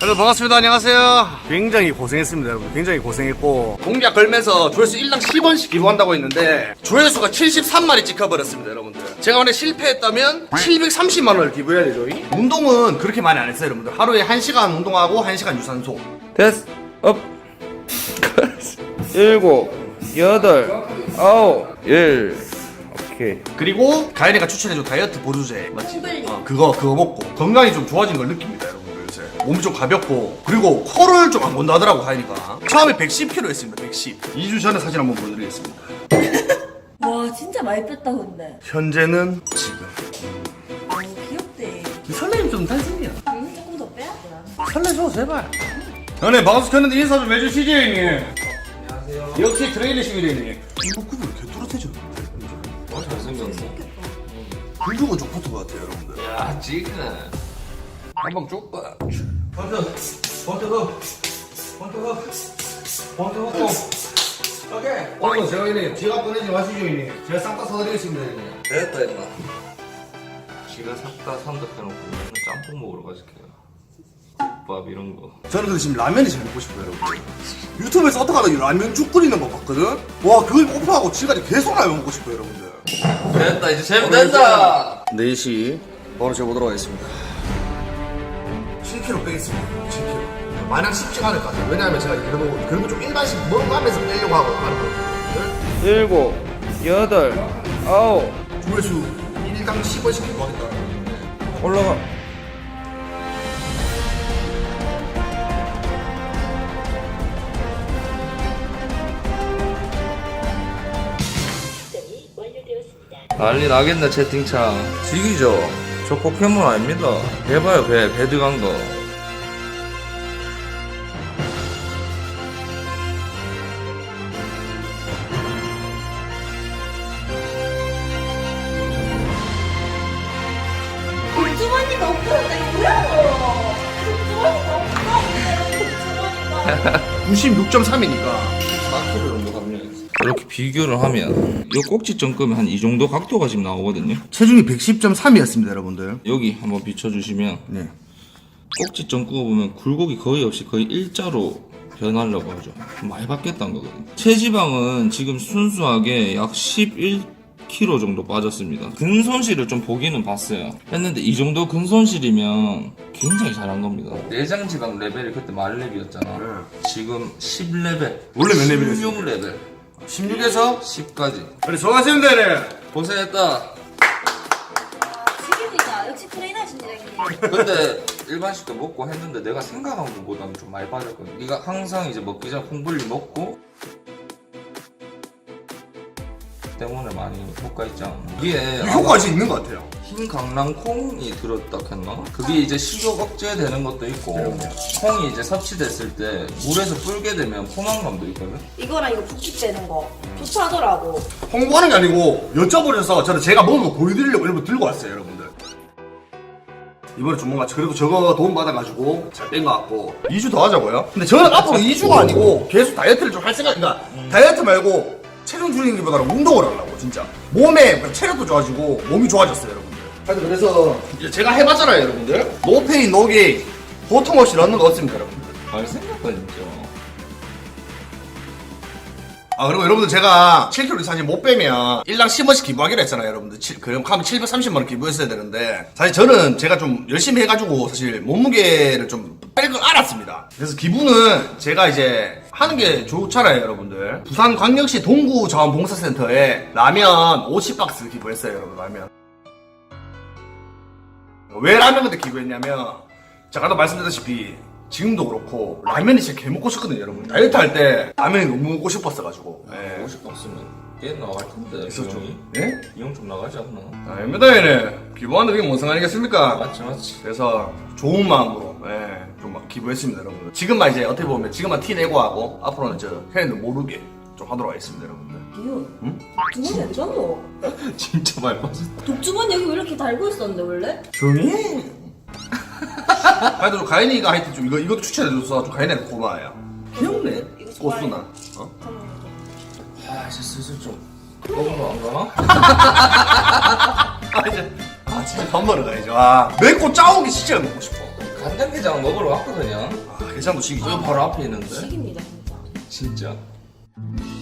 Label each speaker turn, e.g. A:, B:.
A: 여러분 반갑습니다. 안녕하세요. 굉장히 고생했습니다 여러분. 굉장히 고생했고 공약 걸면서 조회수 1당 10원씩 기부한다고 했는데 조회수가 73마리 찍혀버렸습니다 여러분들. 제가 만약 실패했다면 730만원을 기부해야 되죠. 운동은 그렇게 많이 안 했어요 여러분들. 하루에 1시간 운동하고 1시간 유산소.
B: 됐어. 업. 7, 8, 9, 10. 오케이.
A: 그리고 가연이가 추천해준 다이어트 보조제 맞지? 그거 먹고 건강이 좀 좋아진 걸 느낍니다 여러분들. 요새 몸이 좀 가볍고 그리고 코를 좀 안 건다 하더라고 가연이가. 처음에 110kg 했습니다. 110. 2주 전에 사진 한번 보여드리겠습니다.
C: 와 진짜 많이 뺐다 근데.
A: 현재는 지금
C: 너무 귀엽대.
A: 설레임 좀 탈색이야.
C: 조금 더 빼야 되나?
A: 설레줘 제발. 형님 방송 켰는데 인사 좀 해주시지 형님.
B: 안녕하세요.
A: 역시 트레이너십니다 형님. 이거 급이 왜 이렇게 뚜렷해졌는데?
B: 잘생겼네.
A: 불주가 좀 붙은 것 같아요 여러분들.
B: 야, 지금. 한방 좁아.
A: 오케이. 오늘 제가 형님 지갑 꺼내지 마시죠 형님. 제가 싹 다 사드리겠습니다 형님.
B: 됐다, 임마. 지가 샀다 산다 해놓고 맨날 짬뽕 먹으러 가실게요. 국밥 이런 거.
A: 저는 근데 지금 라면이 제일 먹고 싶어요 여러분. 유튜브에서 어떻게 하다 이 라면죽 끓이는 거 봤거든? 와 그걸 오픈하고 지금까지 계속 라면 먹고 싶어요 여러분들.
B: 됐다, 이제 재밌다.
A: 4시 바로 재보도록 하겠습니다. 7kg 빼겠습니다. 7kg. 마냥 쉽지가 않을 것 같아요. 왜냐하면 제가 그래도 좀 일반식 먹어가면서 빼려고 하고 하는 거거든요.
B: 7, 8, 9.
A: 조회수 1당 10원씩 기부하겠다.
B: 올라가. 난리 나겠네 채팅창. 지기죠. 저 포켓몬 아닙니다. 해봐요 배 들어간 거.
C: 복주머니가 없어졌다 이거 뭐야? 복주머니가 없어.
A: 96.3이니까
B: 4kg 정도 감량했어. 이렇게 비교를 하면 이 꼭지점 끄면 한 이 정도 각도가 지금 나오거든요.
A: 체중이 110.3이었습니다 여러분들.
B: 여기 한번 비춰주시면
A: 네.
B: 꼭지점 끄어보면 굴곡이 거의 없이 거의 일자로 변하려고 하죠. 많이 바뀌었다는 거거든요. 체지방은 지금 순수하게 약 11kg 정도 빠졌습니다. 근손실을 좀 보기는 봤어요. 했는데 이 정도 근손실이면 굉장히 잘한 겁니다. 내장지방 레벨이 그때 만렙이었잖아. 지금 10레벨.
A: 원래 몇 레벨이었어요?
B: 16레벨.
A: 16에서
B: 10까지.
A: 그래 수고하셨습니다 형님.
B: 고생했다.
C: 지금이다. 역시 트레이너신지 형님.
B: 근데 일반식도 먹고 했는데 내가 생각한 것보다는 좀 많이 빠졌거든. 네가 항상 이제 먹기 전에 콩불리 먹고 때문에 많이 효과 있지 않나. 이게
A: 효과가 진짜 있는 것 같아요.
B: 흰 강낭콩이 들었다 했나? 그게 이제 식욕 억제되는 것도 있고 콩이 이제 섭취됐을 때 물에서 불게 되면 포만감도 있거든.
C: 이거랑 이거 붓기 빼는 거 좋다더라고.
A: 홍보하는 게 아니고 여쭤보셔서 저는 제가 먹은 거 보여드리려고 일부 들고 왔어요 여러분들. 이번에 좀 뭔가 그래도 저거 도움 받아가지고 잘 뺀 것 같고 2주 더 하자고요? 근데 저는 앞으로 2주가 아니고 계속 다이어트를 좀 할 생각. 그러니까 다이어트 말고 체중 줄이는 게보다는 운동을 하려고 진짜. 몸에 체력도 좋아지고 몸이 좋아졌어요 여러분들. 하여튼 그래서 이제 제가 해봤잖아요 여러분들. 노페인 노게인 고통 없이 넣는 거 없습니다 여러분들.
B: 잘 생겼다 진짜.
A: 아 그리고 여러분들 제가 7kg 사실 못 빼면 1당 10원씩 기부하기로 했잖아요 여러분들. 그럼 하면 730만원 기부했어야 되는데 사실 저는 제가 좀 열심히 해가지고 사실 몸무게를 좀 뺄 걸 알았습니다. 그래서 기부는 제가 이제 하는 게 좋잖아요 여러분들. 부산광역시 동구자원봉사센터에 라면 50박스 기부했어요 여러분. 라면 왜 라면 그때 기부했냐면 제가 아까 말씀드렸다시피 지금도 그렇고 라면이 진짜 개 먹고 싶거든요 여러분. 다이어트 할 때 라면이 너무 먹고 싶었어가지고. 예.
B: 50 없으면 꽤 나갈 텐데.
A: 있었죠.
B: 비용이.
A: 예?
B: 비용 좀 나가지 않나?
A: 아닙니다 얘네. 기부하는데 그게 뭔 상관이겠습니까?
B: 맞지.
A: 그래서 좋은 마음으로 좀 기부했습니다 여러분들. 지금만 이제 어떻게 보면 지금만 티 내고 하고 앞으로는 저 형님들 모르게 좀 하도록 하겠습니다 여러분들.
C: 기훈.
A: 응?
C: 주머니 어디 갔노?
B: 진짜 많이 빠졌다.
C: 독주머니 여기 왜 이렇게 달고 있었는데 원래?
A: 조용히 해. 하여튼 좀 가인이가 하여튼 좀 이것도 추천해줘서 좀 가인이한테 고마워요. 귀엽네.
C: 이거 좋아해.
A: 꽃수나. 어?
B: 아 이제 슬슬 좀 먹으러 안 가나?
A: 아 진짜 밥 먹으러 가야죠. 아 맵고 짜온 게 진짜 먹고 싶어.
B: 간장게장 먹으러 왔거든요.
A: 게장도 지기
B: 여기 바로 앞에 있는데.
C: 식입니다 진짜.
B: 진짜.